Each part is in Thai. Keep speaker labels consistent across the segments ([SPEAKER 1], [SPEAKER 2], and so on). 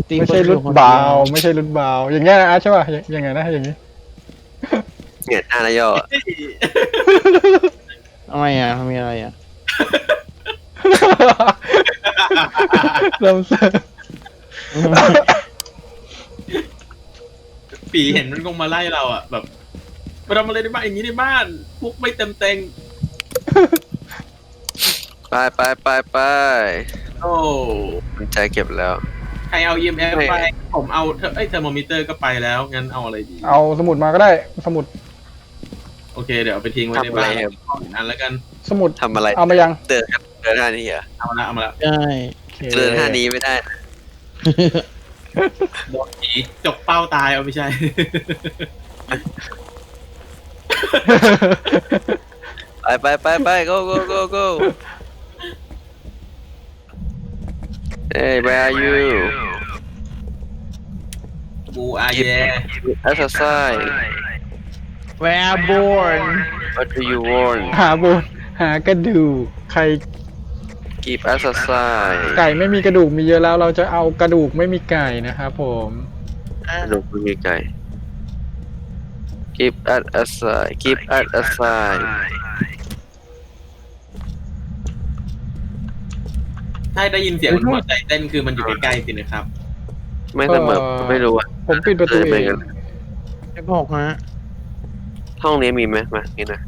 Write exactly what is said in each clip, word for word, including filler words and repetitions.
[SPEAKER 1] ตี
[SPEAKER 2] ไม่
[SPEAKER 1] คน
[SPEAKER 2] ใช่
[SPEAKER 1] เดี
[SPEAKER 2] รุ่
[SPEAKER 1] ยวน คน
[SPEAKER 2] เบา
[SPEAKER 1] เดียว
[SPEAKER 2] ไม่ใช่รุ่นเบาอย่างเงี้ยนะใช่ป่ะยังไงนะอย่างงี้
[SPEAKER 3] เงียหน้าแล้วย่อ
[SPEAKER 1] ทำไมอ่ะมีอะไรอ่ะ
[SPEAKER 2] เราเสร์
[SPEAKER 4] ปีเห็นมันคงมาไล่เราอ่ะแบบมาทำอะไรในบ้านอย่างนี้ในบ้านพวกไม่เต็มเต็ง
[SPEAKER 3] ไปไปไปไป
[SPEAKER 4] โอ้
[SPEAKER 3] มันใจเก็บแล้ว
[SPEAKER 4] ใครเอา อี เอ็ม เอฟ
[SPEAKER 3] ไม่
[SPEAKER 4] ไปผมเอาเทอร์ไอยเทอร์โมมิเตอร์ก็ไปแล้วงั้นเอาอะไรดี
[SPEAKER 2] เอาสมุดมาก็ได้สมุด
[SPEAKER 4] โอเคเดี๋ยวเอาไปทิ้งไว้ใน
[SPEAKER 3] ทำอะไร
[SPEAKER 4] บ้าน
[SPEAKER 3] ครับ
[SPEAKER 4] นั้นแล้วกัน
[SPEAKER 2] สมุด
[SPEAKER 3] ทำอะไร
[SPEAKER 2] เอามายัง
[SPEAKER 3] เดินกันเดินท่านี้เหรอ
[SPEAKER 4] เอามาละเอามาละ
[SPEAKER 1] ใช่
[SPEAKER 2] โอเค
[SPEAKER 3] เดินท่านี้ไม่ได้
[SPEAKER 4] โดนผีจกเป้าตายเอาไม่ใช่
[SPEAKER 3] ไปไปไปไป go go go go Hey where are you
[SPEAKER 4] บูอาเย่
[SPEAKER 3] exercise
[SPEAKER 1] Where born
[SPEAKER 3] what do you want
[SPEAKER 2] หาบนหากระดูกใคร
[SPEAKER 3] keep exercise
[SPEAKER 2] ไก่ไม่มีกระดูกมีเยอะแล้ว เราจะเอากระดูกไม่มีไก่นะครับผม
[SPEAKER 3] ลูกมีไก่ keep at aside keep at aside
[SPEAKER 4] ถ้าได้ยินเสียงหัวใจเต้นคือมันอยู่ใกล้ๆสินะครับ
[SPEAKER 3] ไม่เสมอไม่รู้อ่ะ
[SPEAKER 2] ผมปิดประตู
[SPEAKER 3] เออ
[SPEAKER 2] เอ
[SPEAKER 3] ไม่
[SPEAKER 2] ง
[SPEAKER 3] งั้น
[SPEAKER 1] ไอ้บอกฮะ
[SPEAKER 3] ห้องนี้มีไหมมานี่นะ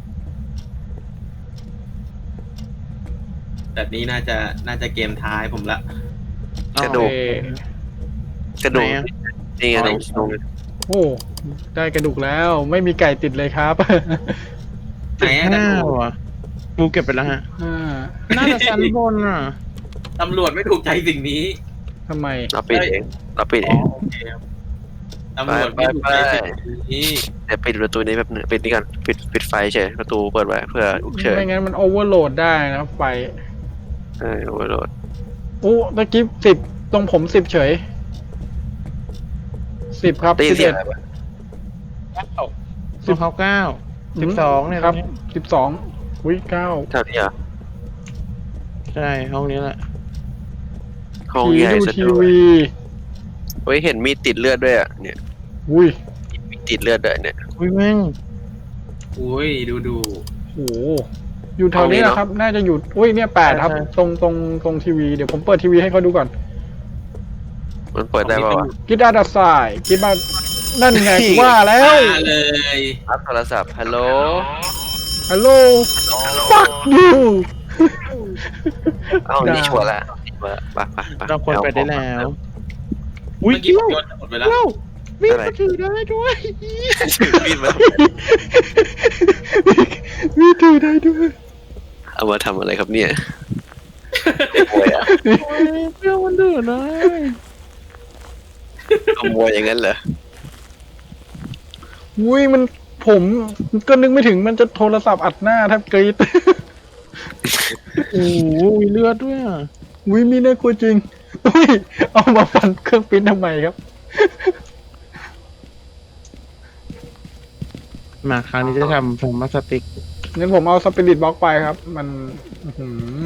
[SPEAKER 4] แบบนี้น่าจะน่าจะเกมท้ายผมละ
[SPEAKER 3] กระดูก
[SPEAKER 2] โอเค
[SPEAKER 3] กระดูก
[SPEAKER 1] ไหนอะ
[SPEAKER 3] นี่ไงตรงตรง
[SPEAKER 2] โอ้ได้กระดูกแล้วไม่มีไก่ติดเลยครับ
[SPEAKER 4] ไหนอะ
[SPEAKER 1] ห้าว่ะกูเก็บไปแล้วฮะ
[SPEAKER 2] อ่า
[SPEAKER 1] น่าจะชั้นบนอ่ะ
[SPEAKER 4] ตำรวจไม่ถูกใจสิ่งนี้
[SPEAKER 2] ทำไม
[SPEAKER 3] เราปิดเองเราปิดเอง
[SPEAKER 4] โอเคครับตำรวจไม่ถูกใจสิ่งนี้
[SPEAKER 3] เดี๋ยวปิดประตูนี้แบบนึงปิดนี่กันปิดปิดไฟเฉยประตูเปิดไว้เพื่อฉุกเฉิน
[SPEAKER 2] ไม่งั้นมันโอเวอร์โหลดได้นะไฟ
[SPEAKER 3] เออโอเวอร์โหลด
[SPEAKER 2] อู้ตะกี้สิบตรงผมสิบเฉยสิบครับ
[SPEAKER 3] ได้ยิ
[SPEAKER 2] สิ
[SPEAKER 3] น
[SPEAKER 2] บ
[SPEAKER 3] เสีย
[SPEAKER 2] เอ็
[SPEAKER 3] ง
[SPEAKER 2] ด
[SPEAKER 3] อะไรปะ
[SPEAKER 1] ของเขาเก้าสิบสองเนี่ย
[SPEAKER 2] ครับ
[SPEAKER 1] ตงนี้
[SPEAKER 2] สิบสองวิเก้า
[SPEAKER 3] เท่านี้เหรอ
[SPEAKER 1] ใช่ห้องนี้แหละ
[SPEAKER 3] ห้อง
[SPEAKER 2] ผี
[SPEAKER 3] ใหญ่
[SPEAKER 2] ดู
[SPEAKER 3] ซะ
[SPEAKER 2] ที
[SPEAKER 3] ด้วย
[SPEAKER 2] วี
[SPEAKER 3] เฮ้ยเห็นมีดติดเลือดด้วยอ่ะเนี่ย
[SPEAKER 2] อุ้ย
[SPEAKER 3] มีติดเลือดด้วยเนี่ย
[SPEAKER 1] อุ้ยแม่ง
[SPEAKER 4] อุ้ยดูดู
[SPEAKER 2] โหอยู่แถวนี้นะครับ น่าจะอยู่อุ้ยเนี่ยแปดครับ ตรงตรงตรงทีวีเดี๋ยวผมเปิดทีวีให้เขาดูก่อน
[SPEAKER 3] มันเปิดได้ป่าวะ
[SPEAKER 2] คิดอาดัสไซคิดมานั่นไงกูว่าแล้ว
[SPEAKER 4] มาเลย
[SPEAKER 3] รับโทรศัพท์ฮัลโหล
[SPEAKER 2] ฮัลโหล fuck you
[SPEAKER 3] เอ้านี่ชัวร์ละนี่ชัวร์ละไปไปไป
[SPEAKER 1] เราควรไปได้แล้ว
[SPEAKER 4] เมื่อกี้ผมโยนหมดไปแล้ว
[SPEAKER 1] เอ้ามีดมาถือได้ด้วย
[SPEAKER 3] ถือมีดมา
[SPEAKER 2] มีถือได้ด้วย
[SPEAKER 3] เอามาทำอะไรครับเนี่ยขโมยอะ
[SPEAKER 1] โอ้ยเปรี้ยวมันดื้อเลย
[SPEAKER 3] ขโมยอย่างนั้นเหรอ
[SPEAKER 2] อุ้ยมันผมก็นึกไม่ถึงมันจะโทรศัพท์อัดหน้าแทบกรี๊ด
[SPEAKER 1] โอ้โหมีเลือดด้วยอ่ะ
[SPEAKER 2] อุ้ยมีน่ากลัวจริงอุ้ยเอามาฟันเครื่องปริ้นทำไมครับ
[SPEAKER 1] มาคราวนี้จะทำผมมาสติก
[SPEAKER 2] งั้นผมเอาสปิริตบล็อกไปครับ มันอื้อหือ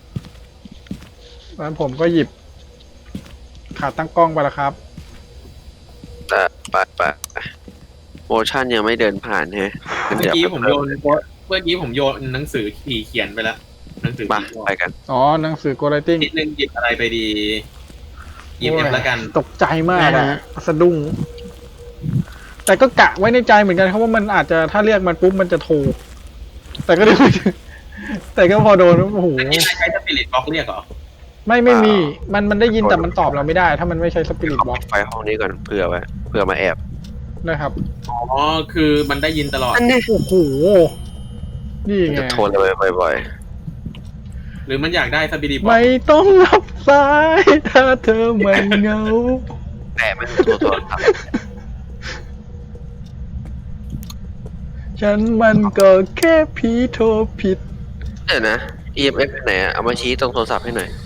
[SPEAKER 2] แล้วผมก็หยิบ ขาตั้งกล้องไปแล้วครับ
[SPEAKER 3] แต่ไปไปโมชั่นยังไม่เดินผ่านใช่ไหม
[SPEAKER 4] เมื่อกี้ผมโยนเมื่อกี้ผมโยนหนังสือขี่เขียนไปแล้วหนังสือ
[SPEAKER 3] มา
[SPEAKER 4] ขี่
[SPEAKER 3] ไปกัน
[SPEAKER 2] อ๋อ หนังสือโกลติ้ง
[SPEAKER 4] นิดนึงหยิบอะไรไปดีหยิบเอ็มแล้วกัน
[SPEAKER 2] ตกใจมากอะสะดุ้ง แต่ก็กะไว้ในใจเหมือนกันครับว่ามันอาจจะถ้าเรียกมันปุ๊บมันจะโทร แต่ก็ แต่ก็พอโดนโอ้โห
[SPEAKER 4] อันนี้ใช้สปิริตบล็อกเรียกเหรอ
[SPEAKER 2] ไม่ไม่มี มันมันได้ยินแต่มันตอบเราไม่ได้ ถ้ามันไม่ใช้สปิริต
[SPEAKER 3] เขา
[SPEAKER 2] บล็อก
[SPEAKER 3] ปิดไฟห้องนี้ก่อนเผื่อไว้เผื่อมาแอบ
[SPEAKER 2] นะครับ
[SPEAKER 4] อ๋อคือมันได้ยินตลอด
[SPEAKER 3] อันนี้
[SPEAKER 2] โอ้โห นี่
[SPEAKER 3] มัน
[SPEAKER 2] ไง
[SPEAKER 3] จะโทรเลยบ่อย
[SPEAKER 4] หรือมันอยากได้สปิริตบล็อก
[SPEAKER 2] ไม่ต้องรับสาย ถ้าเธอไม่เหงา
[SPEAKER 3] ๆแต่ไม่โทรโทรศัพท์
[SPEAKER 2] ฉันมันก็แค่ผีโทรผิด
[SPEAKER 3] เดี๋ยวนะ อี เอ็ม เอฟ ไหนอะเอามาชี้ตรงโทรศัพท์ให้หน่อย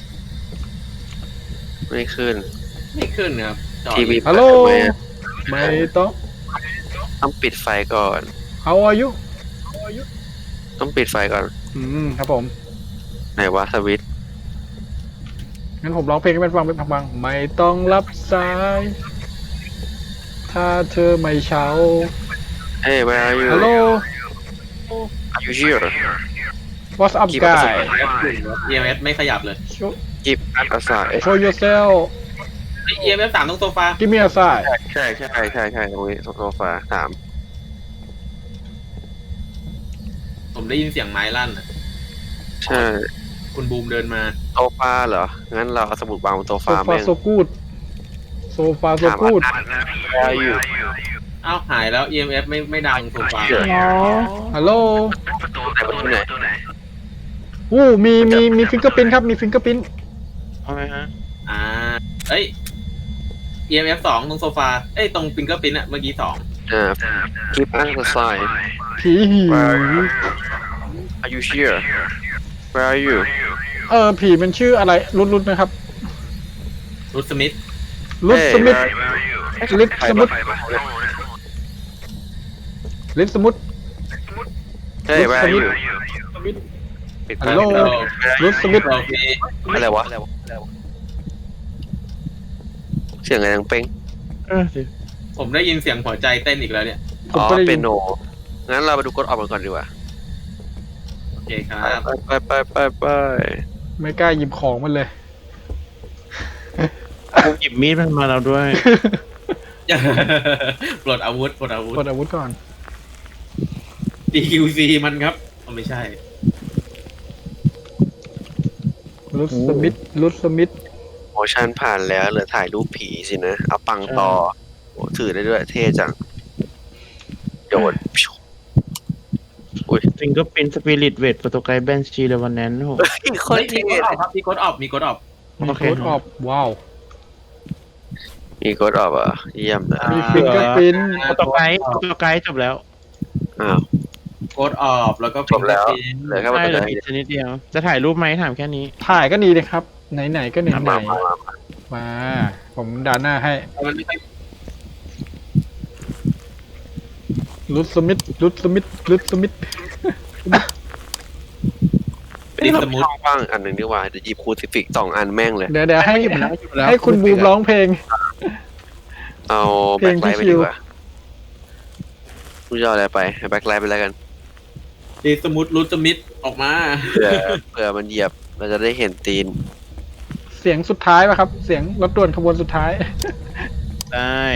[SPEAKER 3] ไม่ขึ้น
[SPEAKER 4] ไม่ขึ้นนะครับจอด
[SPEAKER 3] ทีวี
[SPEAKER 2] ฮัลโหล
[SPEAKER 3] เปิดทำไมอะ
[SPEAKER 2] ไม่ต้อง
[SPEAKER 3] ต้องปิดไฟก่อน
[SPEAKER 2] How are you
[SPEAKER 3] ต้องปิดไฟก่อน
[SPEAKER 2] อืมครับผม
[SPEAKER 3] ไหนวะสวิตช์
[SPEAKER 2] งั้นผมร้องเพลงให้มันฟังเป็นพังๆไม่ต้องรับสาย ถ้าเธอไม่เช้า
[SPEAKER 3] Hey where are you
[SPEAKER 2] ฮัลโหล
[SPEAKER 3] Are you here
[SPEAKER 2] What's up
[SPEAKER 3] Keep us
[SPEAKER 2] guy
[SPEAKER 4] เอ เอ็ม เอส ไม่ขยับเลย
[SPEAKER 2] Show
[SPEAKER 3] Keep us aside
[SPEAKER 2] show yourself
[SPEAKER 4] เอ เอ็ม เอส สามตรงโซฟา
[SPEAKER 2] Give me a sign
[SPEAKER 3] ใช่ใช่ใช่ใช่ตรงนี้โซฟาสาม
[SPEAKER 4] ผมได้ยินเสียงไม้ลั่นอะ
[SPEAKER 3] ใช่
[SPEAKER 4] คุณบูมเดินมา
[SPEAKER 3] โซฟาเหรอ งั้นเราเอาสมุดวางบนโซ
[SPEAKER 2] โซ
[SPEAKER 3] ฟา
[SPEAKER 2] ฟา
[SPEAKER 3] แม่ง
[SPEAKER 2] โซกูดโซฟาโซ
[SPEAKER 3] ถาม
[SPEAKER 2] กูด
[SPEAKER 3] ว่า Where are you
[SPEAKER 4] อ้าวหายแล้ว เอ เอ็ม เอส ไม่ไม่ดังโซฟา
[SPEAKER 2] ฮัลโหล
[SPEAKER 3] ไหนประตูไหน
[SPEAKER 2] อู้มีมีมีฟิงเกอร์พินครับมีฟิงเกอร์พิน
[SPEAKER 1] เอาไหมฮะ
[SPEAKER 4] อ่าเอ้ย เอ เอ็ม เอส สองตรงโซฟา เอ้ยตรงฟิงเกอร์ปิ้นอะเมื่อกี้สอง
[SPEAKER 3] อ่า Keep us aside
[SPEAKER 2] ผีหิว
[SPEAKER 3] Are you here Where are you
[SPEAKER 2] เออผีมันชื่ออะไรรุดรุดนะครับ
[SPEAKER 4] รูทสมิธ
[SPEAKER 2] รุด
[SPEAKER 3] Hey
[SPEAKER 2] สมิธ
[SPEAKER 3] where are you
[SPEAKER 2] ลิฟสมุดลิฟสมุด
[SPEAKER 3] Hey where are you ปิด
[SPEAKER 2] ฮัลโหล รุดสมิธ
[SPEAKER 4] โอเค
[SPEAKER 3] อะไรวะเสียงอะไรดังเป้ง
[SPEAKER 1] เออสิ
[SPEAKER 4] ผมได้ยินเสียงหัวใจเต้นอีกแล้วเนี่ย
[SPEAKER 2] ผม
[SPEAKER 3] อ๋อ
[SPEAKER 2] ก็ได้ยิน
[SPEAKER 3] เป็นโนงั้นเราไปดูกดออกกันก่อนดีกว่า
[SPEAKER 4] โอเคครับ
[SPEAKER 3] ไปไปไปไป
[SPEAKER 2] ไม่กล้าหยิบของมันเลย
[SPEAKER 1] ผมหยิบมีดมันมาเราด้วย
[SPEAKER 4] ปลดอาวุธปลดอาวุธ
[SPEAKER 2] กดอาวุธก่อน
[SPEAKER 4] ดี คิว ซี มันครับอ๋อไม่ใช่
[SPEAKER 2] รุดสมิธรุดสมิธ
[SPEAKER 3] โมชั่นผ่านแล้วเหลือถ่ายรูปผีสินะ เอาปังต่อโอ้ถือได้ด้วยเท่จังโยน
[SPEAKER 1] ฟิงเกอร์พินสปิริตเวทโปรโตไกด์แบนชีเลวันแนนโห
[SPEAKER 3] โค
[SPEAKER 4] เฮ้
[SPEAKER 3] ต
[SPEAKER 4] ย
[SPEAKER 3] ร
[SPEAKER 4] มี
[SPEAKER 3] เท่
[SPEAKER 4] กดออกครับมีกดออกมีกดออก
[SPEAKER 2] มี
[SPEAKER 1] โอเค
[SPEAKER 2] โค้ดออฟว้าว
[SPEAKER 3] มีกดออกอ่ะเยี่ยมเลย
[SPEAKER 2] มีฟิงเกอร์พิน
[SPEAKER 1] โปรโตไกด์โปรโตไกด์จบแล้ว
[SPEAKER 3] อ้าว
[SPEAKER 4] กดออกแล้วก็
[SPEAKER 3] จบแล้ว
[SPEAKER 4] fingerprint
[SPEAKER 3] เหลือแค่ว่า
[SPEAKER 1] ได้
[SPEAKER 3] จะ
[SPEAKER 1] เหลือ
[SPEAKER 3] ได้
[SPEAKER 1] อีกชนิดเดียว จะถ่ายรูปไหมถามแค่นี้
[SPEAKER 2] ถ่ายก็ดีเลยครับ ไหนๆก็ไหน
[SPEAKER 3] มา
[SPEAKER 2] ๆ
[SPEAKER 3] มามา
[SPEAKER 2] มา ผมด่านหน้าให้
[SPEAKER 4] มันไม่ค่อย
[SPEAKER 2] รุดสมิธรุดสมิธรุดสมิธ
[SPEAKER 4] เป็นอีกสมุด
[SPEAKER 3] ช่องว่างอันหนึ่งดีกว่าเดี๋ยวหยิบคูซิฟิกสองอันแม่งเลย
[SPEAKER 2] เดี๋ยวเดี๋ยวให้
[SPEAKER 1] หยิบมาแล้วหยิบมาแล้ว
[SPEAKER 2] ให้คุณบูมร้องเพลง
[SPEAKER 3] เอา
[SPEAKER 2] เพล
[SPEAKER 3] แบ็
[SPEAKER 2] ง
[SPEAKER 3] ค
[SPEAKER 2] ที่
[SPEAKER 3] ไลท์ไป
[SPEAKER 2] คิ
[SPEAKER 3] ดี
[SPEAKER 2] ว
[SPEAKER 3] กว่าคุณจะเอาอะไรไปให้แบ็คไลท์ไปแล้วกัน
[SPEAKER 4] ดีสมุดรูทสมิธออกมา
[SPEAKER 3] เผื่อเผื่อมันเหยียบเราจะได้เห็นตีน
[SPEAKER 2] เสียงสุดท้ายป่ะครับ เสียงรถด่วนขบวนสุดท้าย
[SPEAKER 1] ได้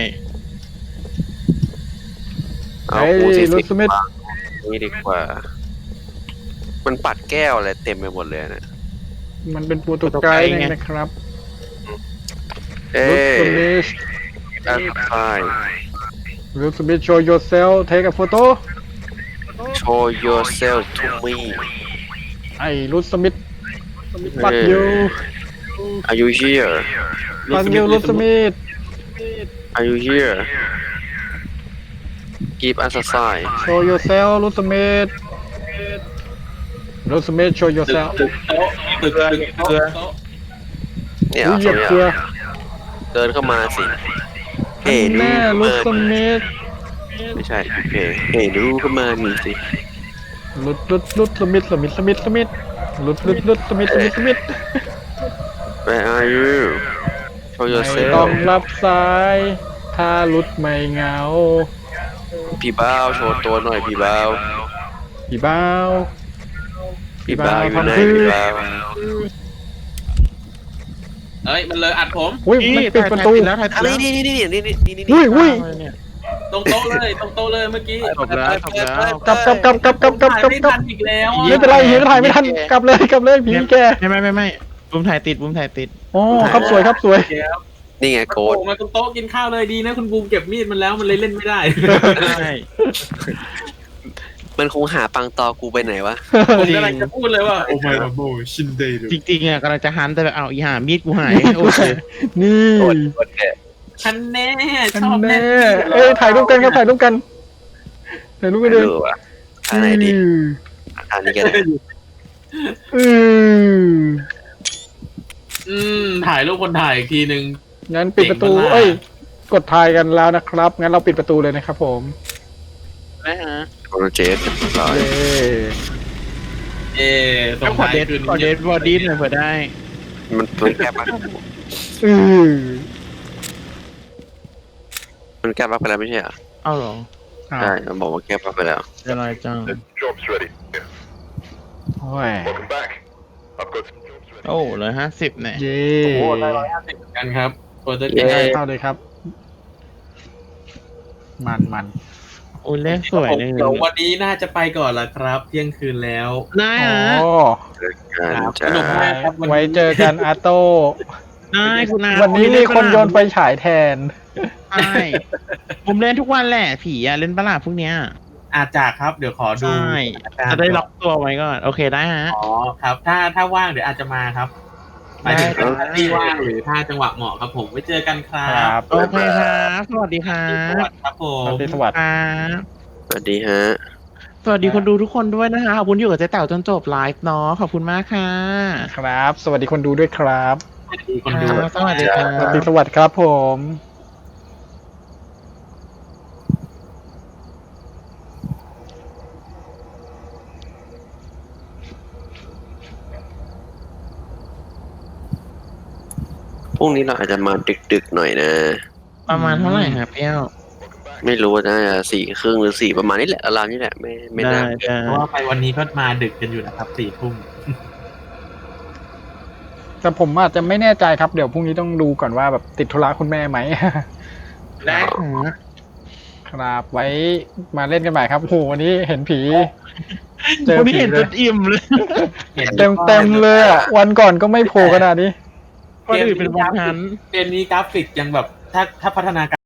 [SPEAKER 3] เอา
[SPEAKER 2] เฮ้ย
[SPEAKER 3] คูซิ
[SPEAKER 2] รุ
[SPEAKER 3] ฟิ
[SPEAKER 2] ด
[SPEAKER 3] ก
[SPEAKER 2] สมิธ
[SPEAKER 3] วางนี่ดีกว่า มันปัดแก้วอะไรเต็มไปหมดเลยนะ
[SPEAKER 2] มันเป็นโปรโตไกด์นะครับ
[SPEAKER 3] เอ้
[SPEAKER 2] รุดส
[SPEAKER 3] ย
[SPEAKER 2] มิธ
[SPEAKER 3] อัพไฟ
[SPEAKER 2] รุดสมิธ show yourself take a photo
[SPEAKER 3] show yourself to me
[SPEAKER 2] ไอ้รุดสมิธปักยู
[SPEAKER 3] are you here
[SPEAKER 2] ปักยูรุดสมิธ
[SPEAKER 3] are you here give us a sign
[SPEAKER 2] show yourself รุดสมิธรุดสมิธ show
[SPEAKER 4] ตึก
[SPEAKER 2] yourself
[SPEAKER 4] ตึกโต๊ะตึกตึกโต๊ะโต๊ะ
[SPEAKER 3] เนี่ย
[SPEAKER 2] อุ้ย
[SPEAKER 3] เอา
[SPEAKER 2] เหยียบ
[SPEAKER 3] ต
[SPEAKER 2] เกลื
[SPEAKER 3] รง
[SPEAKER 2] อ
[SPEAKER 3] เนี้ยเดินเข้ามาสิเฮ้
[SPEAKER 2] แน่
[SPEAKER 3] ดู
[SPEAKER 2] รุดส
[SPEAKER 3] เข้ามา
[SPEAKER 2] มิธ
[SPEAKER 3] ไม่ใช่เฮ้เฮ้ดูเข้ามานี่สิ
[SPEAKER 2] รุดรุดรุดสมิธสมิธสมิธสมิธรุดรุดรุดสมิธสมิธสมิธ
[SPEAKER 3] Where are you show
[SPEAKER 2] ไม่ต้อง
[SPEAKER 3] yourself
[SPEAKER 2] รับสาย ถ้ารุดไม่เหงา
[SPEAKER 3] พี่บ้าวโชว์ตัวหน่อยพี่บ้าว
[SPEAKER 2] พี่บ้าว
[SPEAKER 3] พี่บ้าวอยู่ไหน
[SPEAKER 2] ทำคือ
[SPEAKER 3] พี่บ้าว
[SPEAKER 4] เอ้ยมันเลยอัดผม
[SPEAKER 2] อุ้ยมันปิดประตู
[SPEAKER 1] ถ่ายแล้วถ่าย
[SPEAKER 3] อะ
[SPEAKER 1] แล้ว
[SPEAKER 3] นี่นี่นี่นี่นี่นี่นี่
[SPEAKER 2] อุ้ยอุ้ย
[SPEAKER 1] เนี่ย
[SPEAKER 4] ตรงโต๊ะเลยตรงโต๊ะเลยเมื่อกี้
[SPEAKER 1] จบแล้วจบแล้ว
[SPEAKER 2] กลับกลับกลับกลับกลับกลับ
[SPEAKER 4] ถ่าย
[SPEAKER 2] กลับ
[SPEAKER 4] ไม่
[SPEAKER 2] กลั
[SPEAKER 4] ทั
[SPEAKER 2] บ
[SPEAKER 4] นอีกแล้ว
[SPEAKER 2] ไม่เป็นไรเฮียก็ถ่ายไม่ทันกลับเลยกลับเลยผีแก
[SPEAKER 1] ไม่ไม่ไม่ไม่บุมถ่ายติดบุมถ่ายติด
[SPEAKER 2] อ๋อครับสวยครับสวย
[SPEAKER 4] เดี๋ยว
[SPEAKER 3] นี่ไง
[SPEAKER 4] มัน
[SPEAKER 3] โก
[SPEAKER 4] โผ
[SPEAKER 3] ด
[SPEAKER 4] ล่มาตรงโต๊ะกินข้าวเลยดีนะคุณบูมเก็บมีดมันแล้วมันเลยเล่นไม่ได้
[SPEAKER 1] ใช่
[SPEAKER 3] มันคงหาปังตอกูไปไหนวะ
[SPEAKER 4] ผมกำลังจะพูดเลยว่าโอ้ my god ชินเดย์
[SPEAKER 1] จริงๆอ่ะกำลังจะหันแต่แบบเอาอีห่ามีดกูหายโอเค
[SPEAKER 2] นี่
[SPEAKER 3] โกดโกดแก
[SPEAKER 4] ฉันแน่
[SPEAKER 2] อัน
[SPEAKER 4] ชอบแน่
[SPEAKER 2] แน่เอ้ยถ่ายรูปกันครับถ่ายรูปกันถ่ายรูปกัน
[SPEAKER 3] ไม่
[SPEAKER 2] เลย
[SPEAKER 3] รู้อะทางไหนดีทางนี้กัน
[SPEAKER 2] อือ
[SPEAKER 4] อืมถ่ายรูปคนถ่ายอีกทีหนึ่ง
[SPEAKER 2] งั้นปิดประตู
[SPEAKER 4] เก่งมาก
[SPEAKER 2] เอ้ยกดถ่ายกันแล้วนะครับงั้นเราปิดประตูเลยนะครับผม
[SPEAKER 1] นะฮะ
[SPEAKER 3] โปรเจกต์ร้อย
[SPEAKER 2] เย้
[SPEAKER 4] เอ๊ส่
[SPEAKER 1] ต้อง งขอ
[SPEAKER 4] ท้าย
[SPEAKER 1] เดท
[SPEAKER 4] คืน
[SPEAKER 1] ขอเดทบอดี้หน่อยเผื่อได้
[SPEAKER 3] มันมันแก้บั๊ก
[SPEAKER 2] อือ
[SPEAKER 3] มันแก้บั๊กไปแล้วไม่ใช่เหรอ
[SPEAKER 1] เอ้าเหรอ
[SPEAKER 2] อ้าว
[SPEAKER 3] ใช่มันบอกว่าแก้บั๊กไปแล้ว
[SPEAKER 1] อะไรจัง
[SPEAKER 5] Job's ready.
[SPEAKER 2] โอ้ย
[SPEAKER 5] Welcome back. I've got some jobs ready.
[SPEAKER 1] โอ้เลยห้าสิบเนี่ย
[SPEAKER 2] เย้
[SPEAKER 4] โอ้โหได้ร้อยห้าสิบเหมือนกันครับโปรเจกต์
[SPEAKER 3] เย้
[SPEAKER 2] เข้าเลยครับ มันมัน
[SPEAKER 1] โอ้ยเลขสวยเลย
[SPEAKER 4] เดี๋ยววันนี้น่าจะไปก่อนละครับเที่ยงคืนแล้ว
[SPEAKER 1] ได้
[SPEAKER 2] โอ้
[SPEAKER 1] ฮะ
[SPEAKER 3] การ
[SPEAKER 4] ครับส
[SPEAKER 3] จ้า
[SPEAKER 4] นุกมากครับวันนี้
[SPEAKER 2] ไว้เจอกันอาโต้
[SPEAKER 1] ได้คุณอา
[SPEAKER 2] วันนี้มีคนโยนไฟฉายแทน
[SPEAKER 1] ใช่ผมเล่นทุกวันแหละผีอะเล่นปะล่ะพวกเนี้ย
[SPEAKER 4] อาจจะครับเดี๋ยวขอดู
[SPEAKER 1] ใช่จะได้ล็อกตัวไว้ก่อนโอเคได้ฮะ
[SPEAKER 4] อ๋อครับ ถ้าถ้าว่างเดี๋ยวอาจจะมาครับหมายถึง
[SPEAKER 1] ได้
[SPEAKER 4] ถ้าที่ว่างหรือถ้าจังหวะเหมาะครับผมไว้เจอกันครั
[SPEAKER 2] ครับ บ
[SPEAKER 1] โอเคครับสวัสดีครั
[SPEAKER 4] ส
[SPEAKER 1] บ
[SPEAKER 4] วัสดีครับผ
[SPEAKER 2] ส
[SPEAKER 4] ม
[SPEAKER 2] วัสดีสวัสดี
[SPEAKER 1] ครับ
[SPEAKER 3] สวัสดีฮะ
[SPEAKER 1] สวัสดีคนดูทุกคนด้วยนะคะขอบคุณที่อยู่กับเจ๊แต๋วจนจบไลฟ์เนาะขอบคุณมากค่ะ
[SPEAKER 2] ครับ สวัสดีคนดูด้วยครับ
[SPEAKER 4] สวัสดีคน
[SPEAKER 1] ค
[SPEAKER 4] ดู
[SPEAKER 1] รับสวัสดีครั
[SPEAKER 2] สวัส
[SPEAKER 1] บ
[SPEAKER 2] ดีสวัสดีครับผม
[SPEAKER 3] พรุ่งนี้เราอาจจะมาดึกๆหน่อยนะ
[SPEAKER 1] ประมาณเท่าไหร่ครับเปี้ยว
[SPEAKER 3] ไม่รู้ว่าน่าจะสี่ครึ่งหรือสี่ประมาณนี้แหละราวๆนี้แหละไม่ไม่
[SPEAKER 1] ได้
[SPEAKER 3] น่า
[SPEAKER 1] ได้
[SPEAKER 4] เพราะว่าไปวันนี้ก็มาดึกกันอยู่นะครับสี่ทุ่ม
[SPEAKER 2] แต่ผมอาจจะไม่แน่ใจครับ เดี๋ยวพรุ่งนี้ต้องดูก่อนว่าแบบติดธุระคุณแม่ไหม
[SPEAKER 1] ได้ค่ะ
[SPEAKER 2] ครับไว้มาเล่นกันใหม่ครับโหวันนี้เห็นผี เจอ
[SPEAKER 1] วันนี้
[SPEAKER 2] ผี
[SPEAKER 1] เห็น
[SPEAKER 2] เล
[SPEAKER 1] จ
[SPEAKER 2] ย
[SPEAKER 1] นอิ่มเลย
[SPEAKER 2] เต็มเต็มๆเลยอ่ะ วันก่อนก็ไม่โผล่ขนาดนี้
[SPEAKER 1] วันอื่นเป็นวันทัน
[SPEAKER 4] เกมนี้กราฟิกยังแบบถ้าถ้าพัฒนาการ